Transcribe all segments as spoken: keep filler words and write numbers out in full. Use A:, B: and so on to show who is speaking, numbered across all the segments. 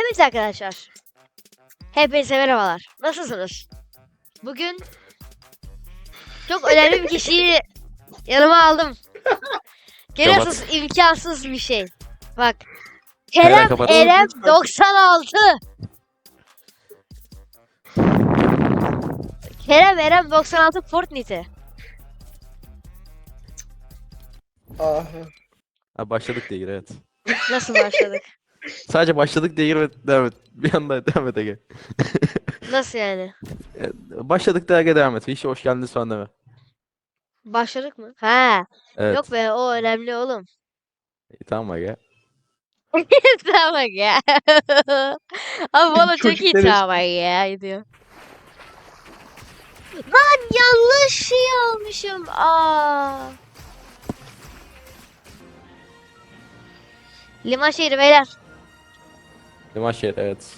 A: Evet arkadaşlar. Hepinize merhabalar. Nasılsınız? Bugün çok önemli bir kişiyi yanıma aldım. Görüyorsunuz imkansız bir şey. Bak. Kerem
B: kapat.
A: Erem doksan altı. Kerem Erem doksan altı Fortnite.
C: Ah.
B: Ha, başladık diye gir, evet.
A: Nasıl başladık?
B: Sadece başladık diye gir ve devam et. Bir anda devam et Ege.
A: Nasıl yani?
B: Evet, başladık diye Ege devam et. Hiç hoş geldiniz falan deme.
A: Başladık mı? Ha.
B: Evet.
A: Yok be, o önemli oğlum.
B: İyi, tamam Ege.
A: Tamam ya. Abi bana çok iyi
C: Çocukları-
A: tamam ya diyor. Lan yanlış şey almışım. Aa. Liman şehri beyler.
B: Liman şehir, evet.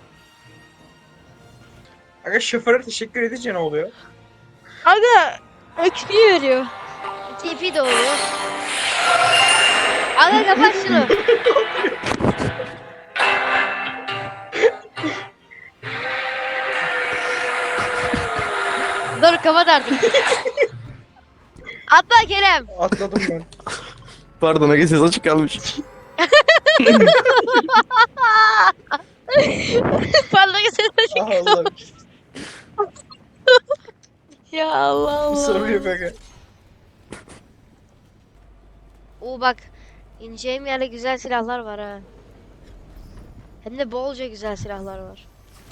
C: Aga şoföre teşekkür edince ne oluyor?
A: Aga X P veriyor. T P de oluyor. Aga kapat şunu. Dur kapat artık. Atla Kerem.
C: Atladım ben.
B: Pardon Ege, ses açık kalmış.
A: Parlak ses
C: Ah Allah.
A: Ya Allah Allah.
C: Sorun yok aga.
A: Oo bak. İneceğim yerde güzel silahlar var ha. Hem de bolca güzel silahlar var.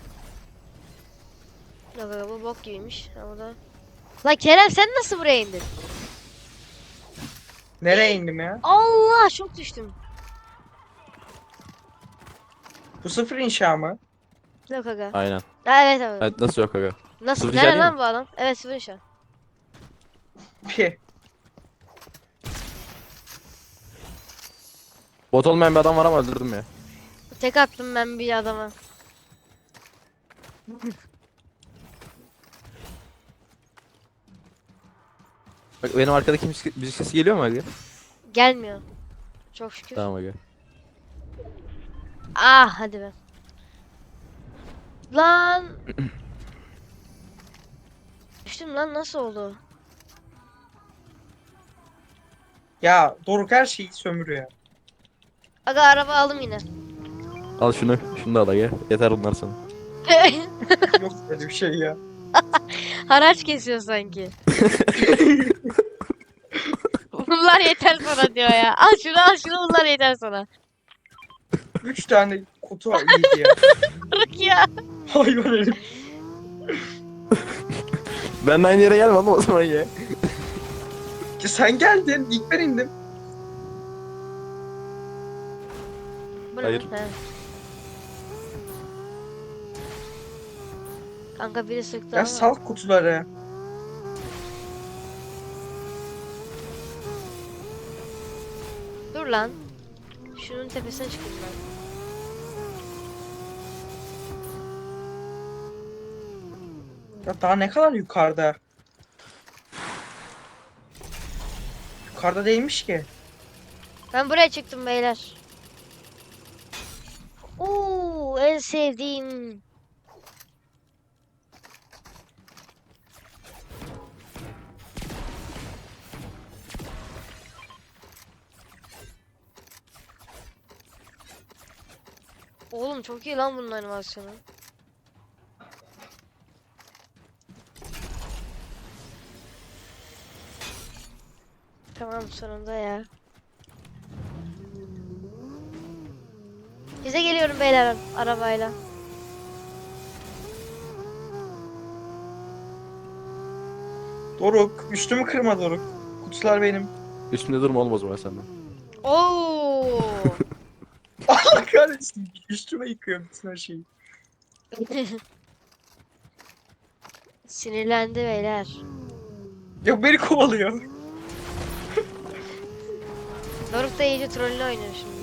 A: Yok yok, bu bok gibiymiş ama da. Lan Kerem sen nasıl buraya indin?
C: Nereye indim ya?
A: Allah çok düştüm.
C: Bu sıfır inşa mı?
A: Yok aga.
B: Aynen.
A: Ha, evet evet.
B: Evet, nasıl yok Ege?
A: Nasıl?
B: sıfır
A: Nerede
B: işaret
A: lan
B: mi?
A: bu adam? Evet sıfır şu an.
C: Pi.
B: Bot olmayan bir adam var ama öldürdüm ya.
A: Tek attım ben bir adama.
B: Bak, benim arkadaki müzik, müzik sesi geliyor mu Ege?
A: Gelmiyor. Çok şükür.
B: Tamam Ege.
A: Ah hadi be. Lan. Düştüm lan, nasıl oldu?
C: Ya Doruk her şeyi sömürüyor.
A: Aga araba aldım yine.
B: Al şunu. Şunu da al Ege. Yeter bunlar sana.
C: Yok böyle bir şey ya.
A: Haraç kesiyor sanki. Bunlar yeter sana diyor ya. Al şunu al şunu, bunlar yeter sana.
C: Üç tane kutu yedi ya.
A: Bırak ya.
C: Hayvan herif.
B: Ben de aynı yere gelmedim o zaman ya.
C: Ki sen geldin. İlk ben indim.
A: Bu ne
B: Hayır.
A: lan? He. Kanka biri sıktı
C: Ya
A: ama.
C: sal kutuları.
A: Dur lan. Şunun tepesine çıkayım ben.
C: Ya daha ne kadar yukarıda? Yukarıda değilmiş ki.
A: Ben buraya çıktım beyler. Oo, en sevdiğim. Oğlum çok iyi lan bunun animasyonu. Tamam sonunda ya. Bize geliyorum beyler arabayla.
C: Doruk. Üstümü kırma Doruk. Kutular benim.
B: Üstümde durma oğlum o zaman senden.
A: Oo.
C: Allah kahretsin. Üstüme yıkıyor bütün her şeyi.
A: Sinirlendi beyler.
C: Yok beni kovalıyor.
A: Doruk da iyice trollü oynuyor şimdi.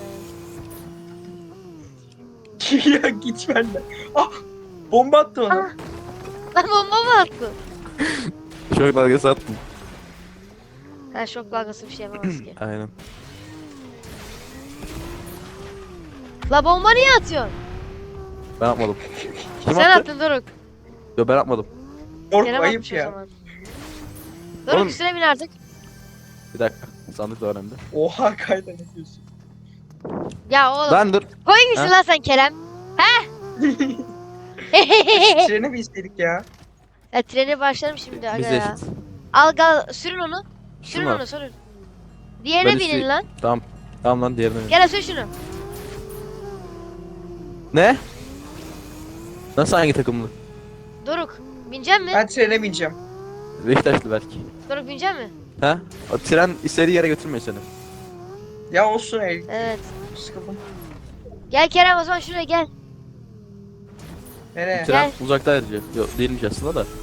C: Ya git benden. Ah! Bomba attı bana.
A: Ah. Lan bomba mı attı?
B: Şok dalgası attım.
A: Ha şok dalgası bir şey yapamaz ki.
B: Aynen.
A: La bomba niye atıyorsun?
B: Ben yapmadım. Kim
A: Sen
B: attı?
A: attın Doruk.
B: Yo ben yapmadım.
C: Doruk
A: Kerem
C: ayıp
A: atmış o
C: ya.
A: zaman. Doruk
B: Oğlum-
A: üstüne bin artık.
B: Bir dakika. Sandık da önemli.
C: Oha kayda ne diyorsun?
A: Ya oğlum.
B: Lan dur.
A: Koyun gitsin
B: Ha?
A: lan sen Kerem.
C: Trene bir istedik ya.
A: Ya trene başlarım şimdi aga
B: Biz
A: ya.
B: eşit.
A: Al gal sürün onu. Sürün
B: Şunu al.
A: onu sürün. Diğerine
B: Ben
A: binin
B: üstü-
A: lan.
B: Tamam. Tamam lan diğerine. bin.
A: Gel sür şunu.
B: Ne? Nasıl hangi takımlı?
A: Doruk. Binecek mi?
C: Ben trene bineceğim.
B: Beşiktaşlı belki.
A: Doruk binecek mi?
B: Ha? O tren istediği yere götürmüyor seni.
C: Ya olsun ey.
A: Evet.
C: Sıkıldım.
A: Gel Kerem o zaman şuraya gel.
C: Nereye?
B: Tren
A: Gel.
B: uzakta ayrıca. Yok değilmiş aslında da.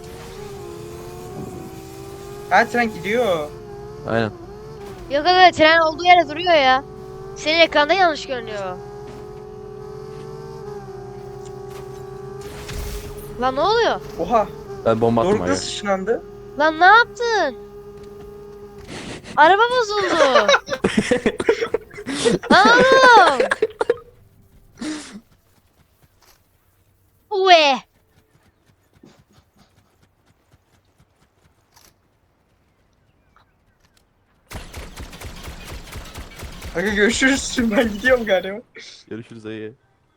C: Ha tren gidiyor.
B: Aynen.
A: Yok aga tren olduğu yere duruyor ya. Senin ekranda yanlış görünüyor. Lan ne oluyor?
C: Oha.
B: Ben bomba attım
C: Doruk
B: aga.
C: nasıl ışınlandı?
A: Lan ne yaptın? Araba bozuldu. Lan oğlum. Ue.
C: Aga görüşürüz. Ben gidiyorum galiba.
B: Görüşürüz ayı.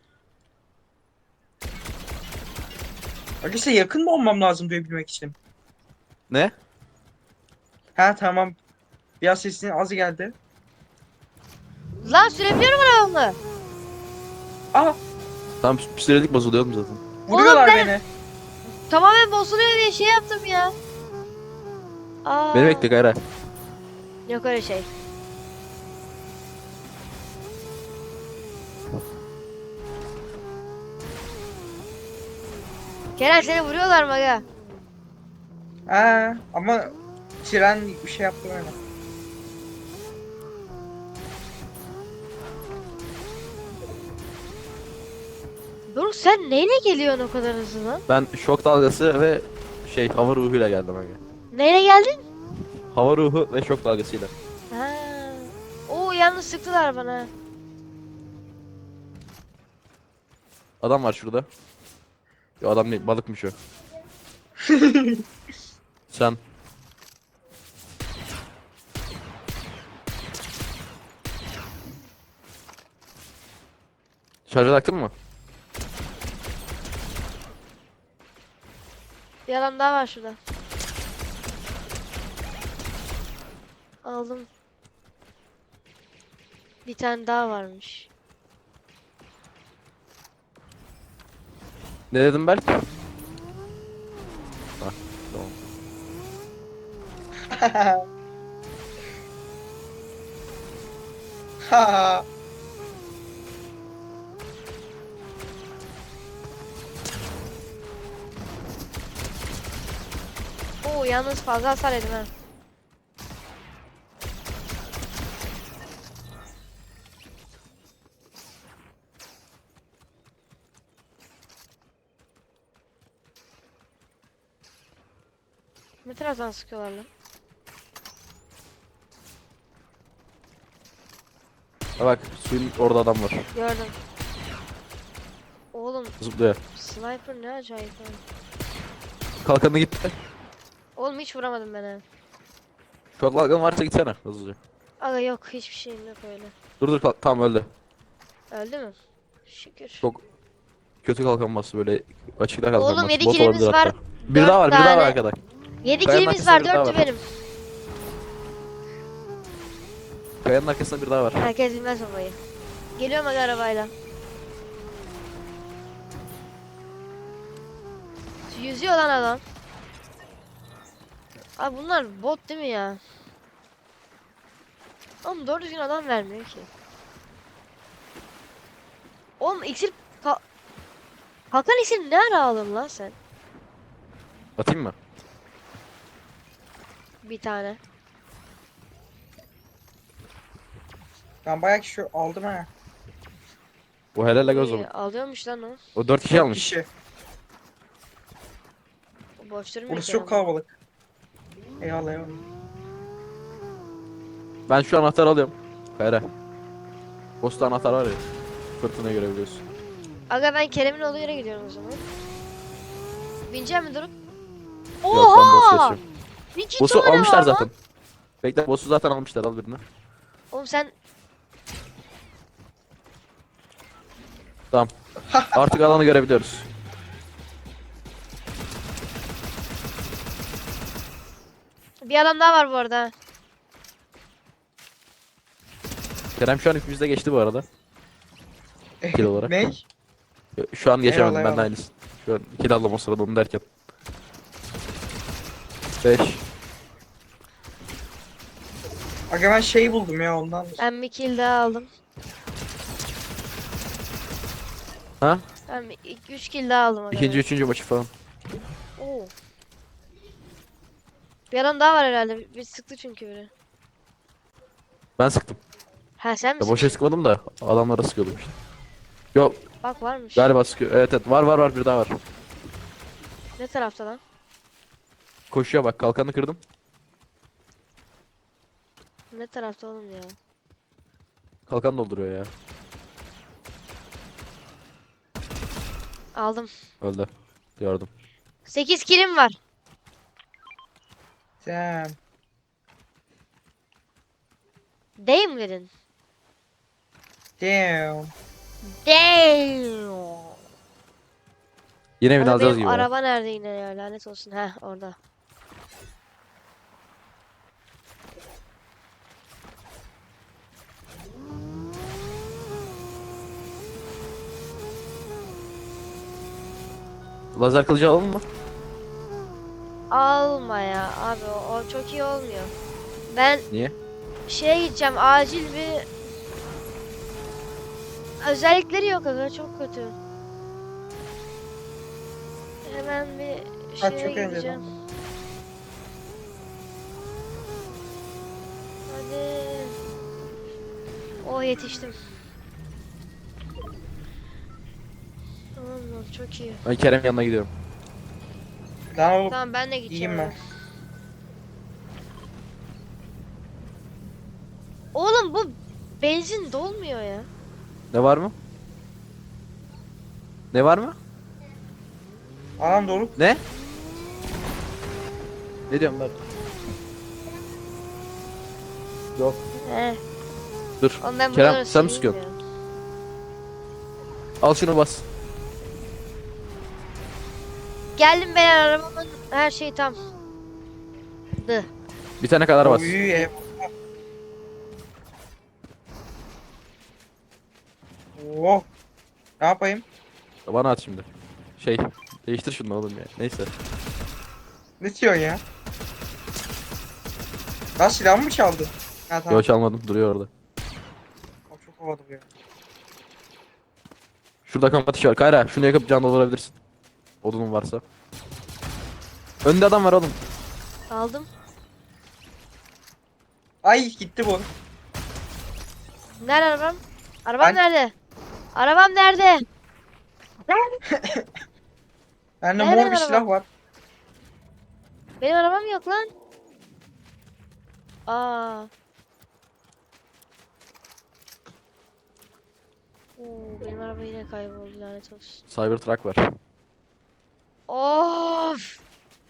C: Aga size yakın mı olmam lazım duyabilmek için?
B: Ne?
C: Ha tamam. Biraz sesin az geldi.
A: Lan sürebiliyorum arabamı.
C: Aa
B: Tam psikolojik bozuluyorum zaten.
C: vuruyorlar
A: ben-
C: beni.
A: Tamamen bozuluyor diye şey yaptım ya. Aa.
B: Beni bekle Kayra.
A: Yok öyle şey. Kerem seni vuruyorlar mı aga?
C: Ha ama tren bir şey yaptı öyle.
A: Doruk sen neyle geliyorsun o kadar hızlı lan?
B: Ben şok dalgası ve şey hava ruhuyla geldim aga.
A: Neyle geldin?
B: Hava ruhu ve şok dalgasıyla.
A: Ha. Oo yalnız sıktılar bana.
B: Adam var şurada. Yo adam değil balıkmış o. Sen. Şarja taktın mı?
A: Bir adam daha var şurada. Aldım. Bir tane daha varmış.
B: Ne dedim Berk? Bak. Tamam.
C: Ha.
A: Oo yalnız fazla hasar yedim ha. Ne taraftan sıkıyorlar lan?
B: Ha bak suyun orada adam var.
A: Gördüm. Oğlum
B: Zıplıyor.
A: sniper ne acayip ha.
B: Kalkanı gitti.
A: Oğlum hiç vuramadım ben ha.
B: Şok dalgan varsa gitsene hızlıca.
A: Aga yok hiçbir şeyim yok öyle.
B: Dur dur kalk tamam öldü.
A: Öldü mü? Şükür.
B: Çok kötü kalkan bastı böyle açıkta kalkan
A: Oğlum,
B: bastı.
A: yedi
B: Bot
A: kilimiz
B: olabilir
A: var,
B: hatta. Bir
A: dört
B: daha var bir daha var
A: tane.
B: arkada.
A: yedi
B: Kayanın
A: kilimiz
B: arkasında
A: var,
B: bir daha
A: dördü
B: var.
A: benim.
B: Kayanın arkasında bir daha var.
A: Herkes bilmez babayı. Geliyorum aga arabayla. Yüzüyor lan adam. Abi bunlar bot değil mi ya? Oğlum doğru düzgün adam vermiyor ki. Oğlum iksir... Ka Kalkan iksir ne ara aldın lan sen?
B: Atayım mı?
A: Bir tane.
C: Ben bayağı kişi aldım ha.
B: Bu helal aga o
A: İyi,
B: zaman.
A: alıyormuş lan o.
B: O dört kişi
C: Dört
B: almış.
C: kişi.
A: O boş durmuyor
C: Burası
A: ki
C: çok
A: ama.
C: kalabalık. Eyvallah eyvallah.
B: Ben şu anahtarı alıyorum. Kayra. Posta anahtar var ya. Fırtınayı görebiliyorsun.
A: Aga ben Kerem'in olduğu yere gidiyorum o zaman. Bineceğim mi Doruk?
B: Yok ben boss
A: Oha!
B: geçiyorum.
A: İki
B: Boss'u
A: tane
B: almışlar
A: var lan.
B: zaten. Bekle boss'u zaten almışlar, al birini.
A: Oğlum sen
B: Tamam. Artık alanı görebiliyoruz.
A: bir adam daha var bu arada.
B: Kerem şu an hepimizde geçti bu arada. Kill olarak.
C: Ne?
B: Şu an geçemedim,
C: Eyvallah,
B: ben de
C: eyvallah.
B: aynısı. Şu an kill aldım o sırada onu derken. beş.
C: Aga ben şey buldum ya ondan.
A: Ben bir kill daha aldım.
B: Ha?
A: Ben üç kill daha aldım. Aga
B: İkinci,
A: ben.
B: üçüncü maçı falan.
A: Oo. Bir adam daha var herhalde. Bir, bir sıktı çünkü biri.
B: Ben sıktım.
A: Ha sen
B: Ya
A: misin?
B: boşa sıkmadım da adamlara sıkıyordum işte. Yok
A: Bak varmış.
B: galiba sıkıyor. Evet evet, var var var, bir daha var.
A: Ne tarafta lan?
B: Koşuyor bak, kalkanı kırdım.
A: Ne tarafta oğlum ya?
B: Kalkan dolduruyor ya.
A: Aldım.
B: Öldü. Gördüm.
A: sekiz killim var.
C: Damn.
A: Değil mi dedin?
C: Damn.
A: Damn.
B: Yine evini
A: Aga
B: alacağız
A: benim
B: gibi. ya.
A: araba nerede yine ya? Lanet olsun. Heh orada.
B: Lazer kılıcı alalım mı?
A: Alma ya abi o, o çok iyi olmuyor. Ben
B: Niye?
A: şeye gideceğim acil bir özellikleri yok aga çok kötü. Hemen bir
C: Ha,
A: şeye
C: çok eğlenceli.
A: gideceğim. Hadi. Oh yetiştim. Tamam lan çok iyi.
B: Ben Kerem yanına gidiyorum.
C: Lan oğlum.
A: Tamam ben de gideceğim.
C: İyiyim ben.
A: hemen. Oğlum bu benzin dolmuyor ya.
B: Ne var mı? Ne var mı?
C: Anam doğru.
B: Ne? Ne diyorum ben? Yok.
A: He.
B: Dur.
A: Oğlum ben
B: Kerem,
A: buraları
B: sen mi
A: sileyim
B: sıkıyorsun?
A: ya.
B: Al şunu bas.
A: Geldim ben arabamın her şey tam. Dı.
B: Bir tane kadar bas.
C: Oy, ev. Oh. Ne yapayım?
B: Bana at şimdi. Şey, değiştir şunu oğlum ya. Neyse.
C: Ne diyorsun ya? Lan silahımı mı çaldı? Ha tamam.
B: Yok çalmadım, duruyor orada.
C: Aa, çok havalı bu ya.
B: Şurada kamp ateşi var. Kayra, şunu yakıp can doldurabilirsin. Odunun varsa. Önde adam var oğlum.
A: Aldım.
C: Ay gitti bu.
A: Nerede arabam? Arabam
C: Ben-
A: nerede? Arabam nerede?
C: Bende
A: Nerede
C: mor bir
A: araba?
C: silah var.
A: Benim arabam yok lan. Aa. Oo, benim araba yine kayboldu lanet olsun.
B: Cybertruck var.
A: Of.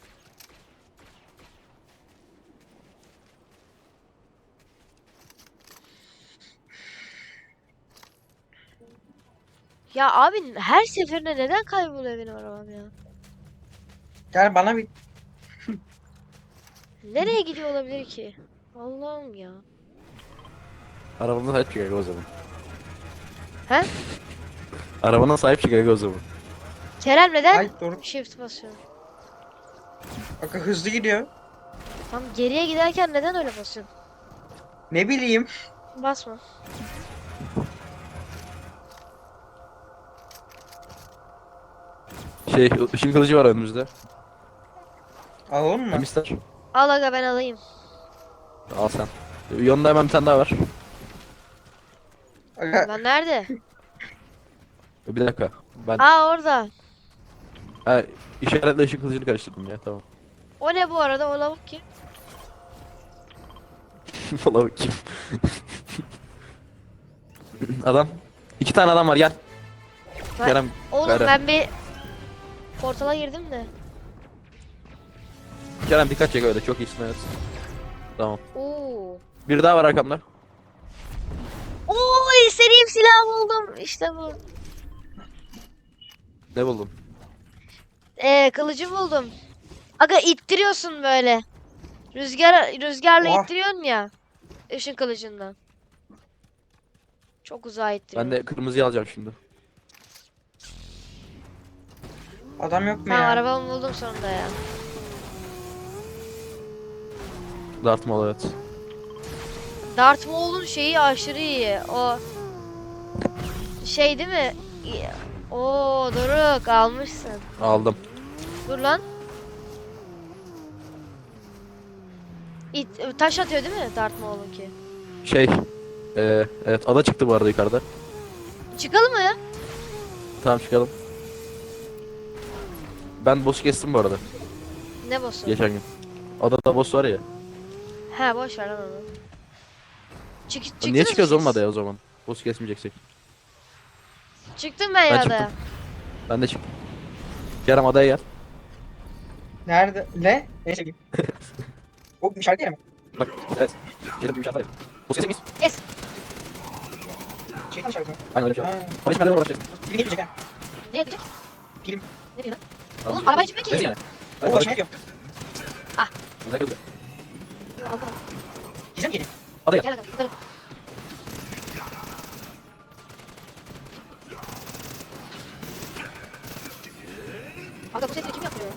A: Ya abi her seferinde neden kayboluyor benim arabam ya?
C: Gel bana bir.
A: Nereye gidiyor olabilir ki? Allah'ım ya.
B: Arabana sahip çık aga o zaman.
A: He?
B: Arabana sahip çık aga o zaman.
A: Kerem neden?
C: Ay doğru.
A: Shift basıyorum.
C: Bak hızlı gidiyor.
A: Tam geriye giderken neden öyle basıyorsun?
C: Ne bileyim.
A: Basma.
B: Şey, ışın kılıcı var önümüzde.
C: Alalım mı?
B: Kim ister?
A: Al aga ben alayım.
B: Al sen. Yanında hemen bir tane daha var.
C: Aga,
A: Ben nerede?
B: Bir dakika. Ben
A: Aa orada.
B: ha, işaretle ışın kılıcını karıştırdım ya, tamam.
A: O ne bu arada? O lavuk kim?
B: Valla bakayım. Adam. İki tane adam var, gel.
A: Ben-
B: Kerem
A: Oğlum
B: Kara.
A: ben bir portala girdim de.
B: Kerem dikkat çek öyle çok iyisin evet. Tamam.
A: Oo.
B: Bir daha var arkamda.
A: Oo, istediğim silah buldum. İşte bu.
B: Ne buldun?
A: Ee, kılıcı buldum. Aga ittiriyorsun böyle. Rüzgar rüzgarla
C: Oha.
A: ittiriyorsun ya. Işın kılıcından. Çok uzağa
B: Ben
A: ittiriyorum.
B: de kırmızıyı alacağım şimdi.
C: Adam yok mu
A: Tamam,
C: ya?
A: arabamı buldum sonunda ya.
B: Darth Maul evet.
A: Darth Maul'un şeyi aşırı iyi. O şey değil mi? İyi. Oo, Doruk almışsın.
B: Aldım.
A: Dur lan. İt, taş atıyor değil mi Darth Maul'unki?
B: Şey. Ee, evet ada çıktı bu arada yukarıda.
A: Çıkalım mı ya?
B: Tamam çıkalım. Ben boss'u kestim bu arada.
A: Ne boss'u?
B: Geçen gün. Adada boss var ya.
A: He, boş ver lan onu. Çık, çıktınız
B: Niye
A: mı
B: çıkıyoruz
A: siz?
B: oğlum adaya o zaman? Boss'u kesmeyeceksek.
A: Çıktım ben,
B: Ben
A: ya
B: çıktım.
A: adaya.
B: Ben de çıktım. Kerem adaya gel.
C: Nerede? Ne? Neyse ki. O şarkı ya mı?
B: Bak evet. Kerem bir şartlar. Boss'u kesecek miyiz?
A: Es.
C: Şeytan şarkı mı?
B: Aynen öyle bir şey.
C: Ha.
B: Hadi şimdi nereden başlayalım?
C: Film geçecek ha.
A: Ne yapacak?
C: Film.
A: Ne diyor lan?
B: Tamam.
A: Oğlum araba içmek
B: Neyse
A: ki.
B: yani.
C: O
B: Hadi
C: başıma
B: başlayalım.
C: gidiyor.
B: Güzel kızı.
C: Gizem geliyor.
B: Adaya
A: Gel
B: gel.
A: bakalım. gidelim. Aga bu sesleri kim yapıyor?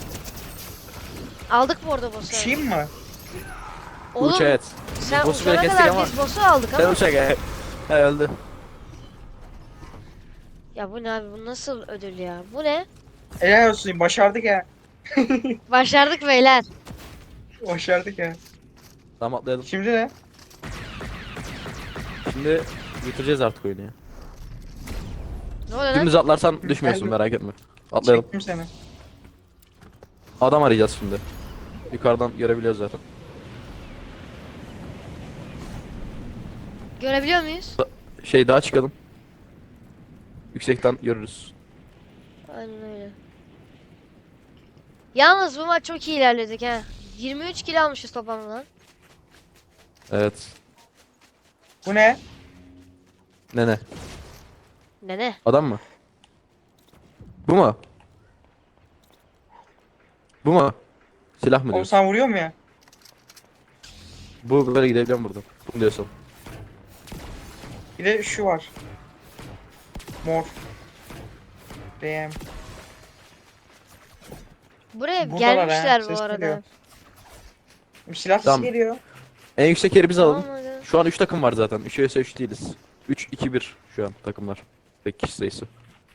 A: Aldık bu arada boss'u.
C: Uçayım mı?
A: Oğlum
B: Uç evet.
A: sen
B: boss'u
A: uçana
B: böyle kestik
A: kadar
B: ama-
A: biz boss'u aldık
B: Sen
A: ama.
B: uçak he. He öldü.
A: Ya bu ne abi, bu nasıl ödül ya? Bu ne?
C: Helal olsun başardık ya.
A: Başardık beyler.
C: Başardık ya.
B: Tamam atlayalım.
C: Şimdi ne?
B: Şimdi bitireceğiz artık oyunu ya.
A: Ne oluyor lan?
B: Dümdüz atlarsan düşmüyorsun
C: Geldim.
B: merak etme. Atlayalım.
C: Çektim seni.
B: Adam arayacağız şimdi. Yukarıdan görebiliyoruz zaten.
A: Görebiliyor muyuz?
B: Şey daha çıkalım. Yüksekten görürüz.
A: Aynen öyle. Yalnız bu maç çok iyi ilerledik ha. yirmi üç kilo almışız toplamda lan.
B: Evet.
C: Bu ne?
B: Ne ne?
A: Ne ne?
B: Adam mı? Bu mu? Bu mu? Silah mı
C: Oğlum
B: diyorsun?
C: sen vuruyor mu ya?
B: Bu böyle gidebiliyor mu buradan? Bunu diyorsun.
C: Bir de şu var. Mor. D M.
A: Buraya
C: Buradalar ha,
A: gelmişler bu
C: ses
A: arada.
C: geliyor. Silah sesi
B: Tamam.
C: geliyor.
B: En yüksek yeri biz alalım.
A: Tamam hadi.
B: Şu an üç takım var zaten. üç vs üç değiliz. üç iki bir şu an takımlar. Tek kişi sayısı.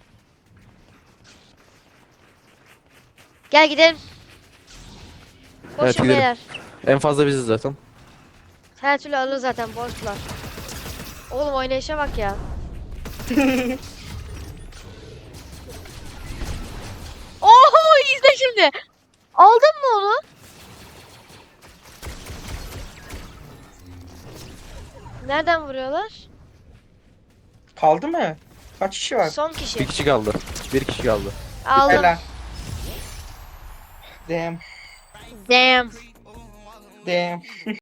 A: Gel gidelim. Koşun
B: Evet, gidelim.
A: beyler.
B: En fazla biziz zaten.
A: Her türlü alır zaten, boşlar. Oğlum oynayışa bak ya. Oho, izle şimdi. Aldın mı onu? Nereden vuruyorlar?
C: Kaldı mı? Kaç kişi var?
A: Son
B: Bir
A: kişi.
B: kişi kaldı. Bir kişi kaldı.
A: Aldım.
C: Helal. D M.
A: Damn.
C: D M.